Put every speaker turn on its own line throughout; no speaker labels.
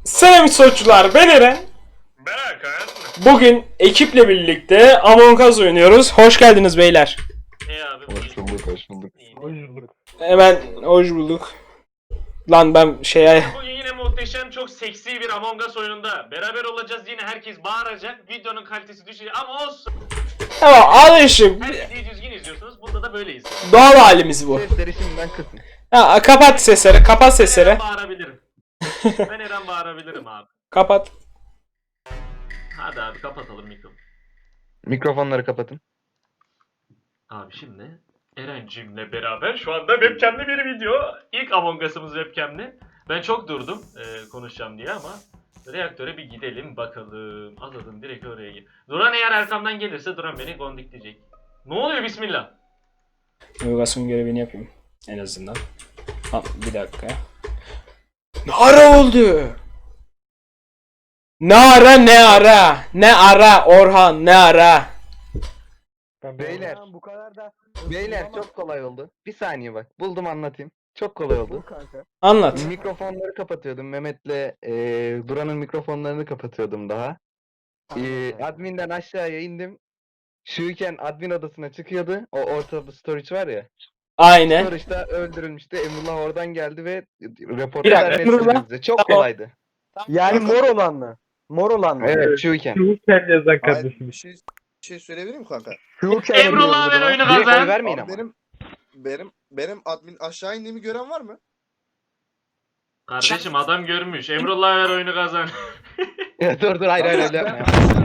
Selam soyçular, ben Eren.
Ben Hakan.
Bugün ekiple birlikte Among Us oynuyoruz. Hoş geldiniz beyler.
Abi.
Hoş bulduk, hoş bulduk.
Hemen hoş bulduk. Lan ben
Bugün yine muhteşem, çok seksi bir Among Us oyununda beraber olacağız. Yine herkes bağıracak. Videonun kalitesi düşecek ama olsun.
Tamam, alışık.
Her videoyu düzgün izliyorsunuz. Bunda da böyleyiz.
Doğal halimiz bu.
Sesleri şimdiden kısın.
Ha, kapat sesleri, kapat sesleri.
Ben bağırabilirim. Ben Eren bağırabilirim abi.
Kapat.
Hadi abi kapatalım mikrofonu.
Mikrofonları kapatın.
Abi şimdi Erencim'le beraber şu anda webcam'li bir video. İlk Among Us'ımız webcam'li. Ben çok durdum konuşacağım diye ama reaktöre bir gidelim bakalım. Alalım direkt oraya gel. Duran eğer arkamdan gelirse Duran beni gondikleyecek. Ne oluyor bismillah?
Navigasyon görevini yapayım en azından. Ha, bir dakika. Ne ara oldu? Ne ara ne ara? Ne ara Orhan ne ara?
Beyler,
Bu kadar da
beyler çok kolay oldu. Bir saniye bak, buldum anlatayım. Çok kolay oldu.
kanka.
Anlat.
Mikrofonları kapatıyordum. Mehmet'le Duran'ın mikrofonlarını kapatıyordum daha. Admin'den aşağıya indim. Şuyken admin odasına çıkıyordu. O ortada storage var ya.
Aynen.
Storage'da öldürülmüştü. Emrullah oradan geldi ve
Bir
raportu
dakika,
vermedi
Emrullah.
bize. Çok
Tamam.
kolaydı.
Yani mor olan mı? Mor olan mı?
Evet, şuyken.
Sen yazan
Hayır,
kardeşim.
bir şey söyleyebilir miyim kanka?
Şu
Emrullah ver oyunu
Direkt oy
kazan.
vermeyin
Abi
ama.
benim admin aşağı indiğimi gören var mı?
Kardeşim adam görmüş. Emrullah ver oyunu kazan.
Dur hayır öyle yapma.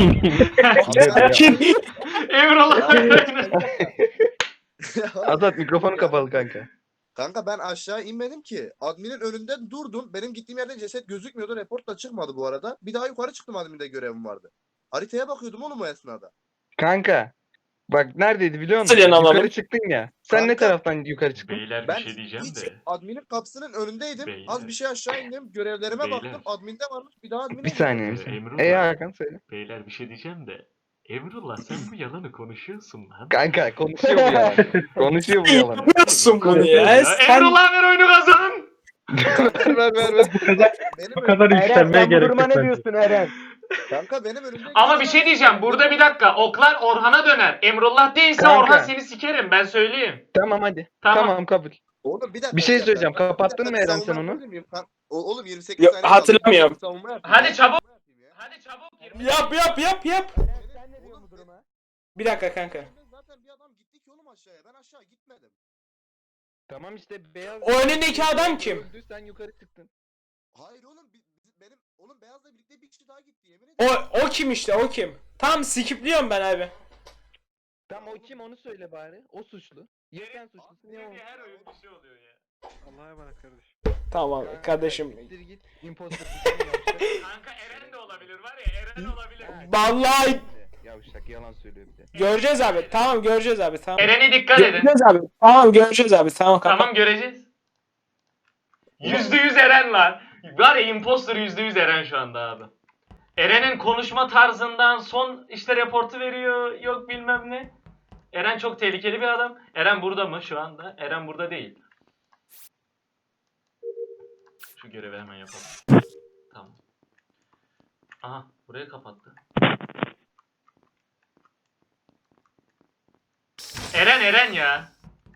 Emrullah ver oyunu.
Azat mikrofonu kapalı kanka.
Kanka ben aşağı inmedim ki. Adminin önünde durdum. Benim gittiğim yerde ceset gözükmüyordu. Report da çıkmadı bu arada. Bir daha yukarı çıktım, adminde görevim vardı. Haritaya bakıyordum oğlum o esnada.
Kanka. Bak neredeydi biliyor musun?
Nasıl yani anlamadım?
Yukarı çıktın ya. Sen ne
Kanka.
taraftan yukarı çıktın?
Beyler bir
Ben
şey diyeceğim
hiç
de.
adminin kapısının önündeydim.
Beyler.
Az bir şey aşağı indim. Görevlerime
Beyler.
baktım. Adminde varmış. Bir daha admine
Bir saniye.
Ee,
Bir saniye.
Emrullah.
Hakan söyle.
Beyler bir şey diyeceğim de. Emrullah sen bu yalanı konuşuyorsun lan.
Kanka konuşuyor bu yalan. Konuşuyor bu yalan.
Yapıyorsun bunu ya. Sen...
Emrullah ver oyunu kazan.
ver.
Bu kadar
Eren
yükselmeye
sen bu
gerek
duruma
yok
ne
bence.
diyorsun Eren?
Kanka benim önümde...
Ama bir şey diyeceğim. Burada bir dakika. Oklar Orhan'a döner. Emrullah değilse
Kanka.
Orhan seni sikerim. Ben söyleyeyim.
Tamam hadi.
Tamam.
Tamam kabul.
Oğlum bir dakika.
Bir şey
dakika.
söyleyeceğim.
Ben- bir
Kapattın
dakika,
mı Eren
savunma
sen onu?
yapabilir miyim? Oğlum 28
Yok,
saniye
hatırlamıyorum.
kaldı. Savunma yapayım
Hadi
ya.
çabuk.
Savunma yapayım ya.
Hadi çabuk.
Yap.
Sen ne diyorsun bu duruma?
Bir dakika kanka.
Zaten bir adam gitti ki oğlum aşağıya. Ben aşağı gitmedim.
Tamam işte beyaz.
O önündeki adam kim?
Öldü, sen yukarı çıktın.
Hayır oğlum benim Beyaz'la birlikte bir kişi daha gitti, yemin ederim.
O kim işte, o kim? Tam skipliyorum ben abi.
Tamam o kim onu söyle bari. O suçlu. Ya sen suçlusun ya o.
Her oyun bir şey oluyor ya.
Allah'a emanet kardeşim.
Tamam kardeşim.
Siktir git. Imposter suçunu yavşak.
Kanka Eren de olabilir var ya. Eren olabilir.
Vallahi
Yavşak yalan söylüyor bir de.
göreceğiz abi. Tamam göreceğiz abi. Tamam.
Eren'e dikkat edin.
Göreceğiz abi. Tamam göreceğiz abi. Tamam kapat.
Tamam göreceğiz. %100 Eren lan. Var ya imposter %100 Eren şu anda abi. Eren'in konuşma tarzından son işte reportu veriyor. Yok bilmem ne. Eren çok tehlikeli bir adam. Eren burada mı şu anda? Eren burada değil. Şu görevi hemen yapalım. Tamam. Aha burayı kapattı. Eren ya.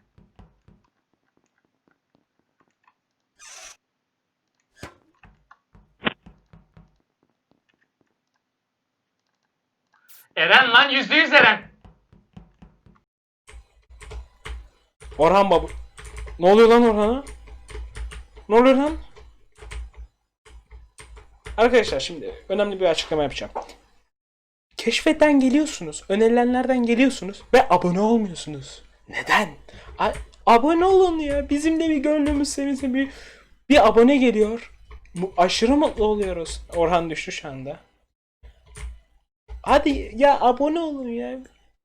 Eren lan %100 Eren.
Orhan baba. Ne oluyor lan Orhan'a? Ne oluyor lan? Arkadaşlar şimdi önemli bir açıklama yapacağım. Keşfetten geliyorsunuz, önerilenlerden geliyorsunuz ve abone olmuyorsunuz. Neden? Abone olun ya. Bizim de bir gönlümüz sevinsin, bir abone geliyor. Aşırı mutlu oluyoruz. Orhan düştü şu anda. Hadi ya abone olun ya.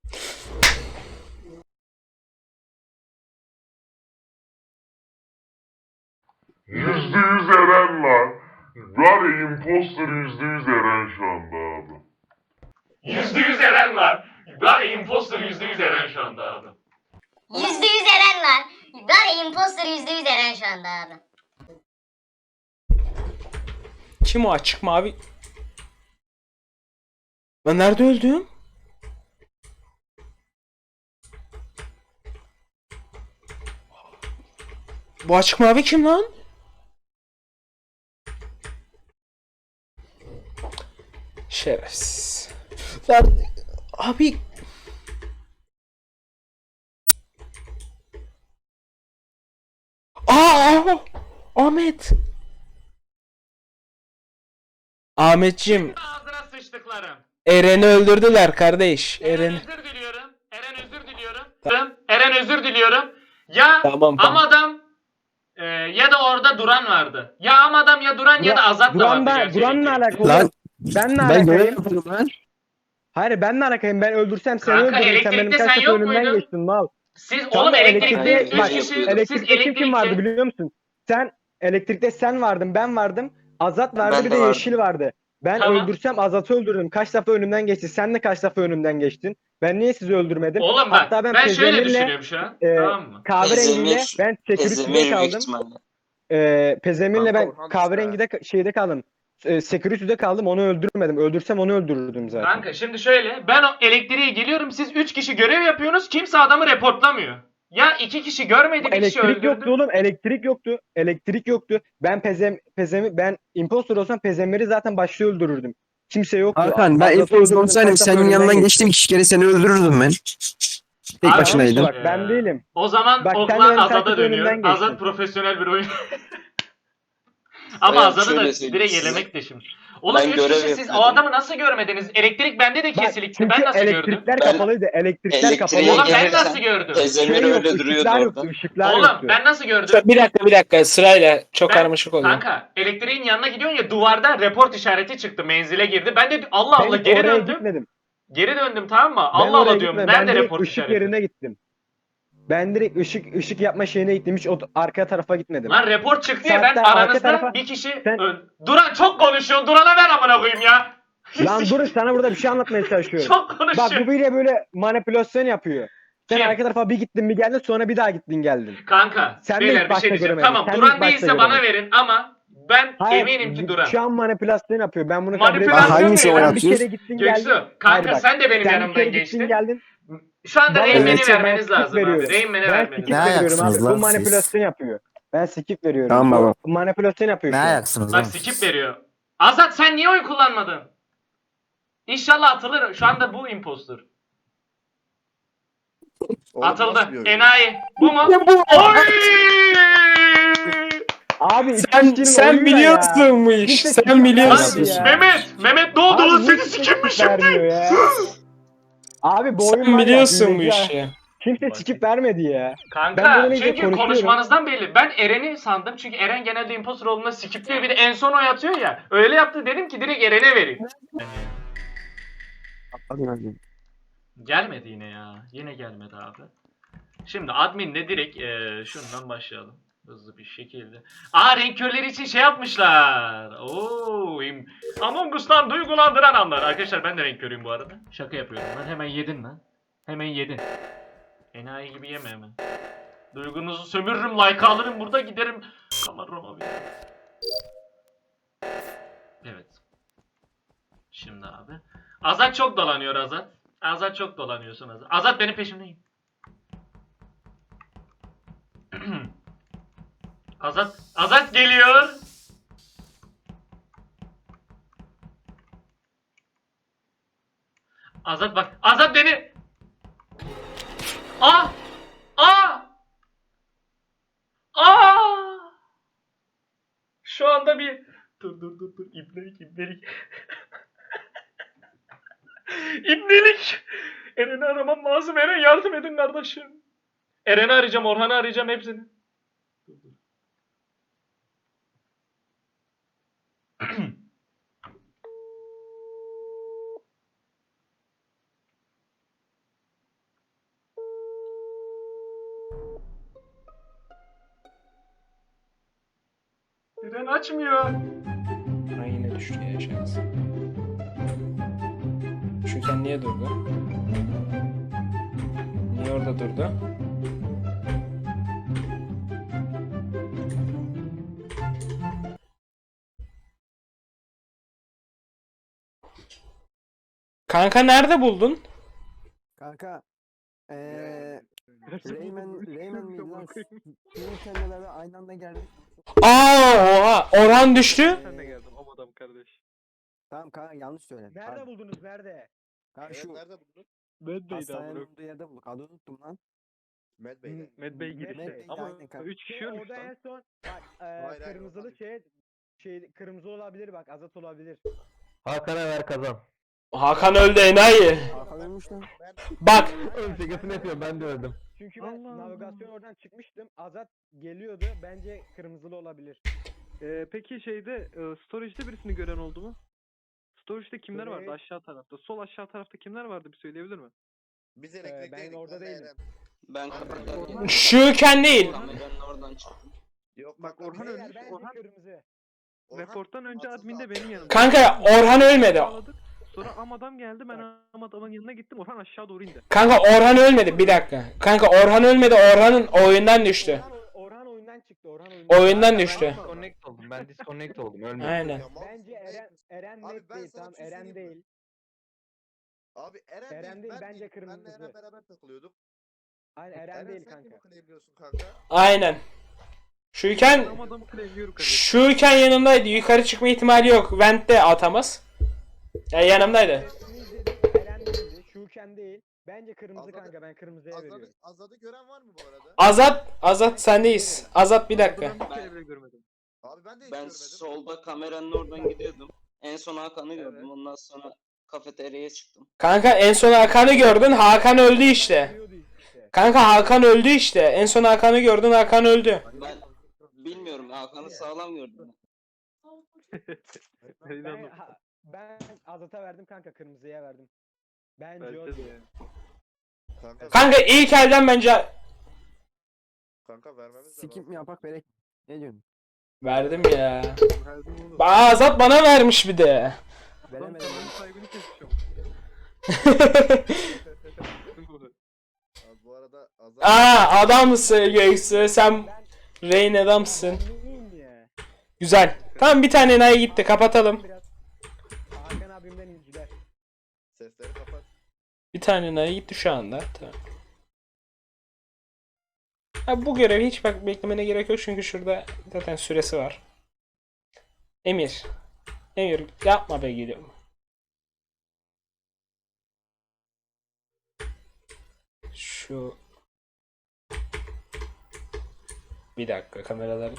%100 Eren lan. Var ya imposter %100 Eren şu anda abi.
%100 Eren var. Var ya imposter %100 Eren şu anda abi.
%100 Eren var. Var ya imposter %100 Eren şu anda abi.
Kim o açık mavi? Ben nerede öldüm? Bu açık mavi kim lan? Şerefsiz. Lan abi. Aa! Ahmet. Ahmetciğim,
Ağzına sıçtıklarım.
Eren'i öldürdüler kardeş.
Eren
Eren.
özür diliyorum. Eren özür diliyorum. Eren özür diliyorum. Ya
Tamam.
Amadım ya da orada Duran vardı. Ya Amadım ya Duran ya da Azat da vardı. gerçi
Duran'la
elektrikte.
alakalı.
Lan
Benle
ben görev
alakayım.
yapıyorum lan.
Hayır benle alakayım. Ben öldürsem seni
Kanka,
öldürürüm. Sen benim
elektrikte
kaç
sen
defa
yok
önümden
muydun?
geçtin mal.
Siz
Tamam,
oğlum elektrikte
elektrikte-
3 kişi siz
Elektrikte kim vardı
elektrikte
biliyor musun? Elektrikte sen vardın, ben vardım. Azat vardı,
Ben
bir
de
de
vardım.
Yeşil vardı. Ben
Tamam.
öldürsem Azat'ı öldürürüm. Kaç defa önümden geçti. Sen de kaç defa önümden geçtin. Ben niye sizi öldürmedim?
Oğlum bak
Hatta
ben,
ben
şöyle
Pezemir'le,
düşünüyorum şu an. Tamam mı?
Kahverengiyle
Pezemir-
ben security'de
Ezemir büyük
kaldım.
ihtimalle.
Pezemir'le
Kanka
ben
Orhan
kahverengide şeyde kaldım. Security'de kaldım. Onu öldürmedim. Öldürsem onu öldürürdüm zaten.
Kanka şimdi şöyle ben o elektriğe geliyorum siz 3 kişi görev yapıyorsunuz kimse adamı reportlamıyor. Ya 2 kişi görmedi bir kişi
Elektrik
öldürdü.
yoktu oğlum. Elektrik yoktu. Elektrik yoktu. Ben impostor olsam Pezemmir'i zaten başta öldürürdüm. Kimse yoktu.
Hakan ben
Azat'ı
info
öldürdüm,
olsaydım
kaç defa
senin
önümden
yanından
geçti.
geçtim 2 kere seni öldürürdüm ben. Tek
Abi,
başınaydın.
Bak ben değilim.
O zaman
Bak, sen
oklar
benim
Azad'a
takip önümden
dönüyor.
geçtin.
Azad profesyonel bir oyun. Ama
Ben
Azad'ı
şöyle
da
söyleyeyim
direkt
size.
elemek de şimdi. Oğlum
Ben
3
görev
kişi siz o
yapıyordum.
adamı nasıl görmediniz? Elektrik bende de
Bak,
kesildi.
çünkü
Ben nasıl gördüm?
elektrikler
Ben-
kapalıydı. Elektrikler
Elektriğe
kapalıydı.
Oğlum ben
gelirsen
nasıl gördüm?
Ezemir
Şey
öyle
yoktu,
duruyordu
ışıklar yoktu,
orada.
ışıklar
Oğlum
yoktu.
ben nasıl gördüm?
Bir dakika sırayla çok
Ben-
karmaşık oluyor.
Kanka elektriğin yanına gidiyorsun ya duvarda report işareti çıktı menzile girdi. Ben de Allah
Ben
Allah
hiç
geri
oraya
döndüm.
gitmedim.
Geri döndüm tamam mı?
Ben
Allah
oraya
Allah diyorum.
gitmedim.
Nerede
Ben direkt
report
ışık
işareti?
yerine gittim. Ben direkt ışık yapma şeyine gittim. Hiç o arka tarafa gitmedim.
Lan report çıktı ya ben
Hatta arka
aranızda
tarafa-
bir kişi
Sen-
Duran çok konuşuyorsun. Duran'a ver amına koyayım ya.
Lan dur sana burada bir şey anlatmaya çalışıyorum.
Çok
Bak
konuşuyor.
bu bile böyle manipülasyon yapıyor. Sen
Kim?
arka tarafa bir gittin bir geldin sonra bir daha gittin geldin.
Kanka
Sen de
beyler
ilk
bir
başta
şey diyeceğim.
göremedin.
Tamam
Sen de
Duran
ilk başta
değilse bana
göremedin.
verin ama ben
Hayır,
eminim ki Duran.
şu an manipülasyon yapıyor. Ben bunu kabul
Manipülasyon
ediyorum.
Hangisi
ne
o
lan?
Sen bir
yapıyorsun?
kere gittin geldin.
Göksu kanka
Hayır bak,
sen de benim
Sen bir
yanımdan
kere gittin
geçtin.
geldin.
Şu anda
Bana
Rain
evet.
Man'i vermeniz
skip
lazım abi.
veriyorum.
Rain Man'i
Ben
vermeniz
skip
Ne
lazım.
veriyorum
ayaksınız
abi.
lan
Bu
siz?
manipülasyon yapıyor. Ben skip veriyorum.
Tamam baba.
Bu manipülasyon yapıyor
Ne
şu an.
ayaksınız
Bak
lan?
skip veriyor. Azat sen niye oy kullanmadın? İnşallah atılır. Şu anda bu impostor.
Oğlum
Atıldı.
nasıl bir oyun?
Enayi. Bu mu? Oy!
Abi
Sen
ikisinin oyunu ne
biliyorsun bu
ya?
iş.
Kimse
Sen
skip
biliyorsun.
vermedi ya.
Mehmet ne oldu
Abi
lan
niye
seni
kimse
sikeyim mi
skip vermiyor
şimdi?
ya? Abi bu oyun
Sen
var ya,
biliyorsun bu
hileci ya.
işi.
Kimse skip vermedi ya. Ben
Kanka
burada neyse
çünkü
konuşuyorum.
konuşmanızdan belli. Ben Eren'i sandım çünkü Eren genelde impostor olduğunda skipliyor bir de en son oy atıyor ya. Öyle yaptı dedim ki direkt Eren'e vereyim. Gelmedi yine ya. Yine gelmedi abi. Şimdi adminle direkt şundan başlayalım. Hızlı bir şekilde. Renk körleri için şey yapmışlar. Among Us'tan duygulandıran anlar. Arkadaşlar ben de renk körüyüm bu arada. Şaka yapıyorum lan. Hemen yedin lan. Hemen yedin. Enayi gibi yeme hemen. Duygunuzu sömürürüm, like alırım, burada giderim. Kamarama bir. Evet. Şimdi abi. Azat çok dolanıyor Azat. Azat çok dolanıyorsun Azat. Azat benim peşimdeyim. Azat geliyor. Azat bak. Azat beni. Aa! Aa! Aa! Şu anda bir dur ibnelik. İbnelik. Eren'i aramam lazım. Eren yardım edin kardeşim. Eren'i arayacağım, Orhan'ı arayacağım hepsini. Eren açmıyor.
Ha, yine düştü ya şans. Şu sen niye durdu? Niye orada durdu? Kanka nerede buldun?
Kanka Reymen miydi lan? Sizin kendilerine aynı anda geldik.
Oha Orhan düştü.
Sen de geldin o adam kardeş.
Tamam kanka yanlış söyledim.
Nerede
Pardon.
buldunuz? Nerede?
Kanka
Evet,
şu
nerede buldun?
Medbay'di
hastanenin
amına.
olduğu yerde bulduk. Adını unuttum lan.
Medbay'de.
Medbay girişte.
Medbay'de
Ama
aynen kanka.
3 kişi
Şey,
ölmüş
orada en
lan.
son bak
hayır,
kırmızılı
oradan
kırmızı olabilir bak Azat olabilir.
Hakan'a ver kazan.
Hakan öldü enayi.
Hakan ölmüş lan.
Bak
Şakasını yapıyorum, ben de öldüm.
Çünkü ben
Allah Allah.
navigasyon oradan çıkmıştım. Azat geliyordu. Bence kırmızılı olabilir.
Peki şeyde storage'de birisini gören oldu mu? Storage'de kimler vardı
Storage-
aşağı tarafta? Sol aşağı tarafta kimler vardı bir söyleyebilir mi?
Biz
ben
elektrikteydik.
orada
benle
değilim.
Eren.
Ben kapıdan
Şuken değil.
ben oradan çıktım.
Yok
Bak,
kanka,
Orhan
biz-
ölmüş,
Beyler bence
Orhan-
kırmızı.
Orhan
Reporttan önce
atıldı
adminde
abi.
benim yanımda.
Kanka Orhan ölmedi.
Bağladık. Sonra Amadam geldi ben Amadam'ın yanına gittim Orhan aşağı doğru indi.
Kanka Orhan ölmedi bir dakika. Kanka Orhan ölmedi. Orhan'ın oyundan düştü.
Orhan oyundan çıktı. Orhan oyundan.
Oyundan
Ben
düştü.
disconnect oldum. Ben disconnect oldum. Ölmedim.
Aynen.
Ya, mal
Bence
mısın?
Eren
Abi
net
ben
değil.
sana
Tamam
bir şey
Eren
söyleyeyim mi?
değil.
Abi Eren,
Eren değil, bence
Benle
kırmızı.
Eren beraber takılıyorduk.
Aynen Eren değil
sen
kanka.
kimi claimliyorsun kanka?
Aynen. Şuken
Amadam'ı claimliyorum kardeşim.
Şuken yanımdaydı. Yukarı çıkma ihtimali yok. Vent de atamaz. Ya yanımdaydı.
Resmi izledim, Eren değildi. Şuken değil. Bence kırmızı
Azat'ı-
kanka. Ben kırmızıya veriyorum.
Azad'ı gören var mı bu arada?
Azat sendeyiz. Azat bir dakika.
Ben bir kere bile görmedim.
Abi ben de hiç
Ben
görmedim.
solda kameranın oradan gidiyordum. En son Hakan'ı
Evet.
gördüm. Ondan sonra kafeteryaya çıktım.
Kanka en son Hakan'ı gördün. Hakan öldü işte.
Biliyordu işte.
Kanka Hakan öldü işte. En son Hakan'ı gördün. Hakan öldü.
Ben bilmiyorum Hakan'ı sağlam gördüm.
Ben Azat'a verdim kanka. Kırmızıya verdim. Bence o
Bence de
değil.
yani.
Kanka ilk elden bence
Kanka vermemiz de
Skip
lazım.
mi yapak verek? Ne diyorsun?
verdim ya.
Verdim oğlum.
Azat bana vermiş bir de.
Adam
Veremedim.
kameranın sahibini keseceğim.
Abi bu arada Azad
Adamsın Göksu. Sen Rain adamsın.
Ben neyim ya?
Güzel. Tamam bir tane enayi gitti. Kapatalım.
Biraz Hakan abimden inciler.
sesleri kapat.
Bir tane enayi gitti şu anda. Tamam. Ha, bu görevi hiç bak beklemene gerek yok çünkü şurada zaten süresi var. Emir. Emir yapma be geliyorum. Şu bir dakika kameralar.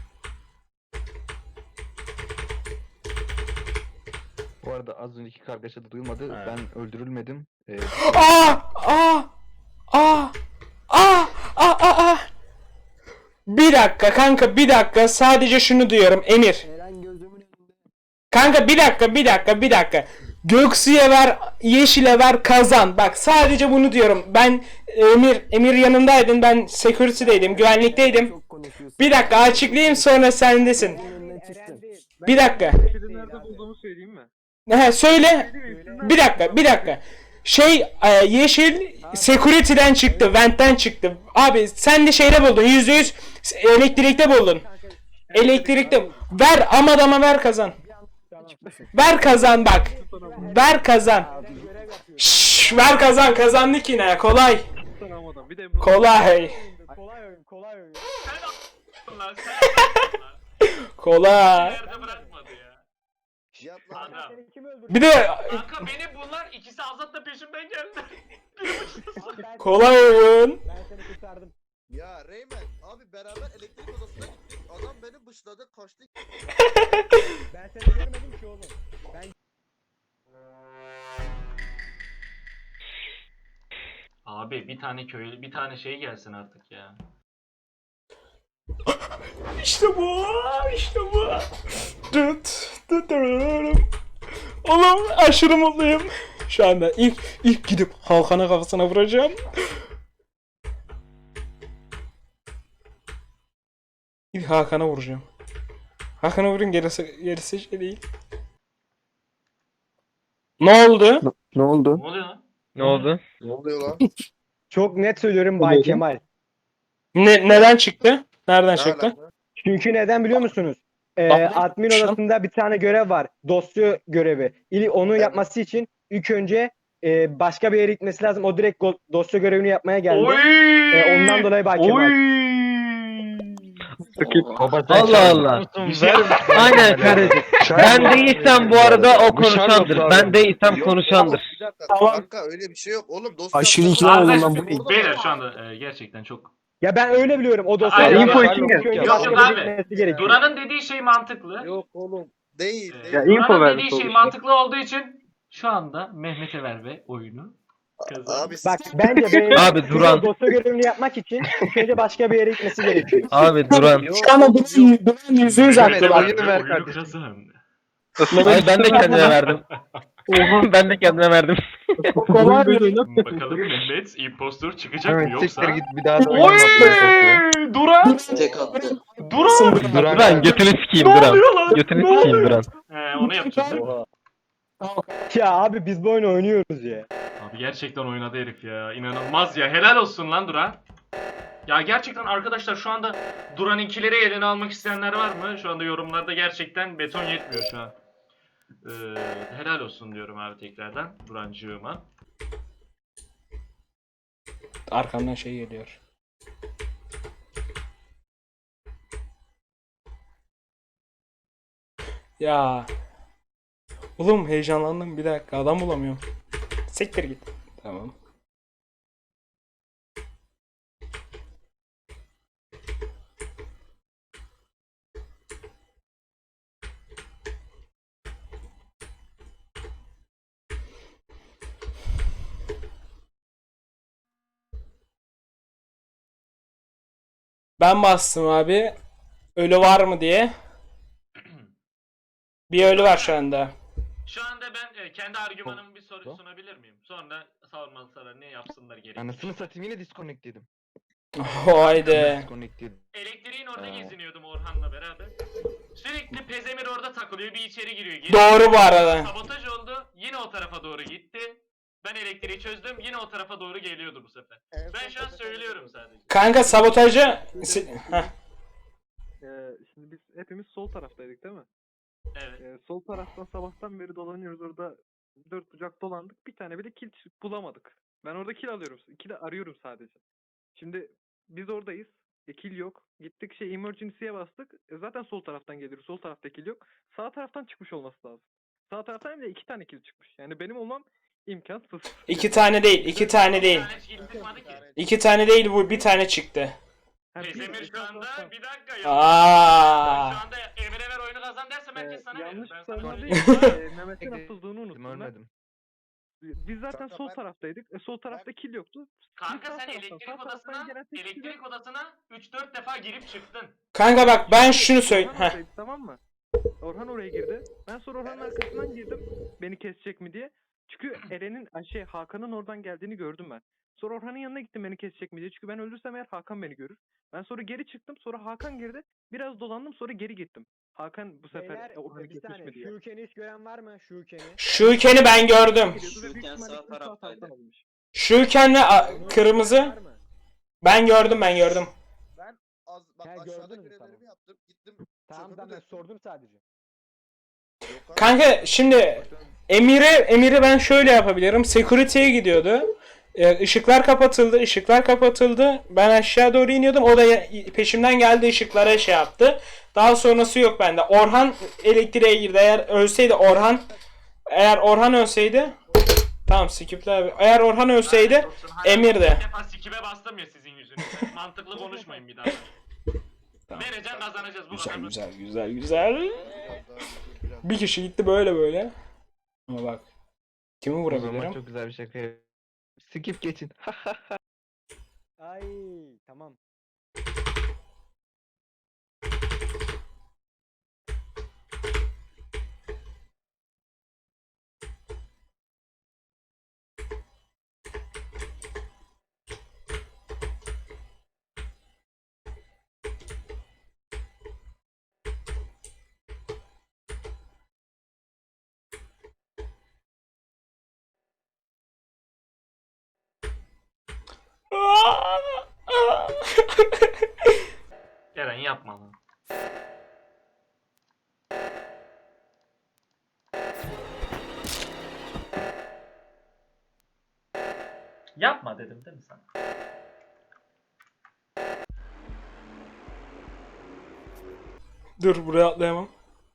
Bu arada az önceki kargaşa da duyulmadı.
Ha.
Ben öldürülmedim.
Aa! Aa! Aa! Aa! Aa! Bir dakika kanka bir dakika sadece şunu diyorum Emir.
Eren gözümün önünde.
Kanka bir dakika. Göksu'ya ver, Yeşil'e ver, kazan. Bak sadece bunu diyorum. Ben Emir yanındaydın. Ben security'deydim, güvenlikteydim.
Çok konuşuyorsun.
Bir dakika açıklayayım sonra sendesin.
Gözümün önünden
Eren
çıktın.
değil.
Bir dakika.
Yeşili nerede bulduğumu söyleyeyim mi?
Söyle.
Söyleyeyim,
Bir dakika. Yeşil security'den çıktı, vent'ten çıktı. Abi sen de şeyde buldun. %100 elektrikte buldun.
Kanka
Elektrikte. Ver Amadam'a ver kazan.
tamam.
Ver kazan bak. Ver kazan.
Eren görev yapıyor.
Şşş, ver kazan kazandık yine kolay.
Sana Amadam. Bir de Emre.
Kolay.
Kolay oyun, kolay oyun.
Lan sen
Kolay.
yerde bırakmadı ya.
Cihat lan.
Adam.
Hakan seni kim öldürdü?
Bir de
Kanka beni bunlar ikisi Azat da peşimden geldi.
Abi ben-
kolay oyun.
Ben seni kurtardım.
Ya Reymen abi beraber elektrik odasına gittik. Adam beni bıçladı kaçtı.
Ben seni görmedim ki oğlum. Ben
Abi bir tane köylü bir tane şey gelsin artık ya.
İşte bu. İşte bu. Oğlum aşırı mutluyum. Şu anda ilk gidip Hakan'a kafasına vuracağım. İlk Hakan'a vuracağım. Hakan'a vurun gerisi şey değil. Ne oldu?
Ne oldu?
Ne oluyor lan?
Ne oldu?
Ne oluyor lan?
çok net söylüyorum Bay Kemal.
Neden çıktı? Nereden
Ne
çıktı?
alaka?
Çünkü neden biliyor musunuz?
Bak,
Admin
şu an-
odasında bir tane görev var. Dosya görevi. Onu yapması için İlk önce başka bir yere gitmesi lazım. O direkt dosya görevini yapmaya geldi.
Oy!
Ondan dolayı hakim
Oy!
Allah Allah. Aynen kardeşim. Ben değilsem bu arada o konuşandır. Ben değilsem konuşandır.
Bir dakika
Tamam.
kanka öyle bir şey yok. Oğlum dosya
Aşırı ikna oldum lan bu.
Arkadaşlar, beyler şu anda gerçekten çok...
Ya ben öyle biliyorum. O dosya
Aynen.
info
Yok,
için geldi.
yok abi.
Gerekiyor.
Duran'ın dediği şey mantıklı.
Yok oğlum. Değil.
Ee,
değil.
Ya, info
Duran'ın
vermiş
dediği şey
olmuş.
mantıklı olduğu için şu anda Mehmet'e ver ve oyunu kazan.
Abi
Bak bence
Abi, Duran.
dosya görevini yapmak için ilk önce başka bir yere gitmesi gerekiyor.
Abi Duran.
Şu anda Duran %100 haklı bak.
oyunu ver
Oyunu
kardeşim.
kazan.
Ay ben de kendime verdim. Ben de kendime verdim.
Kolay bir
Bakalım Mehmet impostor çıkacak mı
Evet
yoksa?
siktir git bir daha da
Oy!
oynama.
Duran!
Tek attı.
Duran!
Duran götünü sikeyim
Ne
Duran.
oluyor lan?
Götünü
Ne
sikeyim
oluyor?
Duran.
Onu yapacağız değil mi?
Ya abi biz bu oyunu oynuyoruz ya.
Abi gerçekten oynadı herif ya. İnanılmaz ya. Helal olsun lan Duran. Ya gerçekten arkadaşlar şu anda Duran'inkileri eline almak isteyenler var mı? Şu anda yorumlarda gerçekten beton yetmiyor şu an. Helal olsun diyorum abi tekrardan Durancığıma.
Arkamdan şey geliyor. Ya. Oğlum heyecanlandım, bir dakika adam bulamıyorum. Siktir git. Tamam. Ben bastım abi. Ölü var mı diye. Bir ölü var şu anda.
Şu anda ben kendi argümanımı bir soru sunabilir miyim? Sonra savunmalılara ne yapsınlar gerekir.
Anasını satayım yine disconnect yedim.
Haydi.
Disconnect yedim.
Elektriğin orada
Aa.
geziniyordum Orhan'la beraber. Sürekli Pezemir orada takılıyor, bir içeri giriyor.
Doğru bu arada.
Sabotaj oldu, yine o tarafa doğru gitti. Ben elektriği çözdüm, yine o tarafa doğru geliyordu bu sefer. Ben şu an söylüyorum sadece.
Kanka sabotajı... Heh.
Şimdi biz hepimiz sol taraftaydık değil mi?
Evet.
Sol taraftan sabahtan beri dolanıyoruz orada. Dört bucak dolandık. Bir tane bile kill bulamadık. Ben orada kill alıyorum. Kill arıyorum sadece. Şimdi biz oradayız. Kill yok. Gittik emergency'ye bastık. Zaten sol taraftan geliyoruz. Sol tarafta kill yok. Sağ taraftan çıkmış olması lazım. Sağ taraftan hem de 2 tane kill çıkmış. Yani benim olmam imkansız.
2 tane değil, 2 tane değil.
Bir tane hiç kill çıkmadı ki.
2 tane değil, bu bir tane çıktı.
Pezemir şu anda bir dakika ya.
Aa.
Şu anda Emre ver oyunu kazan dersem herkes sana verir.
yanlış
Ben
savunma
sana
değil. Mehmet'in atıldığını unuttum ben.
Ölmedim.
Biz zaten
Kanka
sol
ben-
taraftaydık. Sol tarafta kill yoktu.
Kanka
Sağ
sen
taraftan,
elektrik
sağ taraftan
odasına
gelen tek kişi de-
elektrik odasına 3-4 defa girip çıktın.
Kanka bak ben şunu söyle.
Orhan
Heh.
oradaydı, tamam mı? Orhan oraya girdi. Ben sonra Orhan'ın arkasından girdim. Beni kesecek mi diye. Çünkü Eren'in Hakan'ın oradan geldiğini gördüm ben. Sonra Orhan'ın yanına gittim beni kesecek mi diye. Çünkü ben öldürsem eğer Hakan beni görür. Ben sonra geri çıktım. Sonra Hakan girdi. Biraz dolandım sonra geri gittim. Hakan bu sefer Orhan'ı kesmiş mi diye.
Şuken'i hiç gören var mı? Şuken'i.
Şuken'i ben gördüm.
Geliyordu ve büyük
Şuken
ihtimalle
sağ
sağ
taraftaydı.
taraftan alınmış.
Şuken'le kırmızı.
Var mı?
Ben gördüm, ben gördüm.
Bak
Ha,
aşağıda
gördün mü?
görevlerimi
Tamam.
yaptım. Gittim.
Tamam
çöpümü
ben
döktüm.
sordum sadece.
Yok abi.
Kanka şimdi Emir'i ben şöyle yapabilirim. Security'ye gidiyordu. Işıklar kapatıldı. Ben aşağı doğru iniyordum. O da peşimden geldi, ışıklara şey yaptı. Daha sonrası yok bende. Orhan elektriğe girdi. Eğer Orhan ölseydi tamam skip'le abi. Eğer Orhan ölseydi
Lanet olsun, hayatımda
Emir de.
Bir defa sikime bastım ya sizin yüzünüzden. Mantıklı konuşmayın bir daha. Vereceğim kazanacağız bu kadar.
Güzel.
Biraz daha dur, biraz.
Bir kişi gitti böyle. Ama bak. Kimi
O zaman
vurabilirim?
çok güzel bir şaka yap- Skip geçin.
Ay tamam.
Eren yapma lan. Yapma dedim değil mi sana?
Dur buraya atlayamam.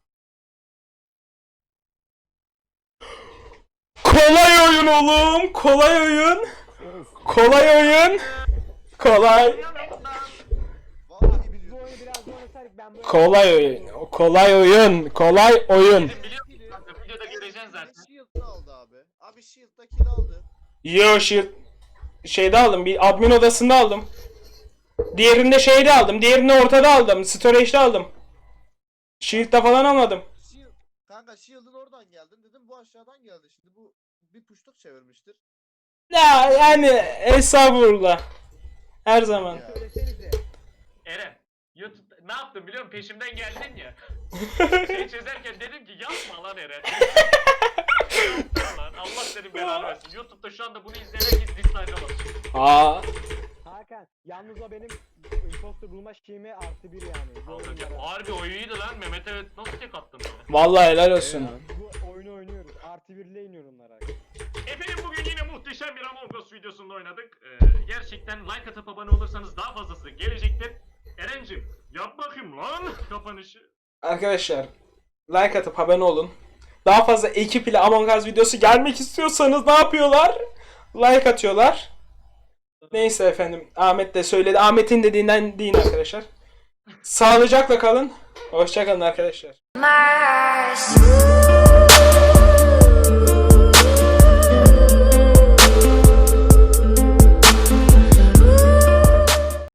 Kolay oyun oğlum. Kolay oyun. Kolay oyun. Kolay.
Vallahi biliyorum.
oyunu biraz daha oynasaydık ben böyle...
Kolay oyun. Kolay oyun. Kolay oyun.
Dedim biliyor musun kanka? Videoda göreceksin zaten.
Shield'da aldı abi. Abi Shield'da kill aldı.
Yo shield şeyde aldım. Bir admin odasında aldım. Diğerinde şeyde aldım. Diğerini ortada aldım. Storage'de aldım. Shield'da falan almadım.
Shield. Kanka Shield'ın oradan geldin dedim bu aşağıdan geldi. Şimdi bu bir puştuk çevirmiştir.
Ya yani estağfurullah. Her zaman.
Ya.
Söylesenize.
Eren, YouTube ne yaptın biliyor musun? Peşimden geldin ya. Şey çözerken dedim ki yapma lan Eren. Yapma lan. Allah senin belanı versin. YouTube'da şu anda bunu izleyen herkes dislike'a basıyor.
Aa.
Hakan yalnız o benim imposter bulma şeyime +1 yani. Bu
Alacak.
oyunlara.
Harbi o iyiydi lan. Mehmet'e nasıl tek attın böyle?
Vallahi helal olsun.
Bu oyunu oynuyoruz. +1'le iniyorum onlara.
Efendim bugün yine muhteşem bir Among Us videosunda oynadık. Gerçekten like atıp abone olursanız daha fazlası gelecektir. Erencim yap bakayım lan kapanışı.
Arkadaşlar like atıp abone olun. Daha fazla ekip ile Among Us videosu gelmek istiyorsanız ne yapıyorlar? Like atıyorlar. Neyse efendim. Ahmet de söyledi. Ahmet'in dediğinden deyin arkadaşlar. Sağlıcakla kalın. Hoşça kalın arkadaşlar.
Mars.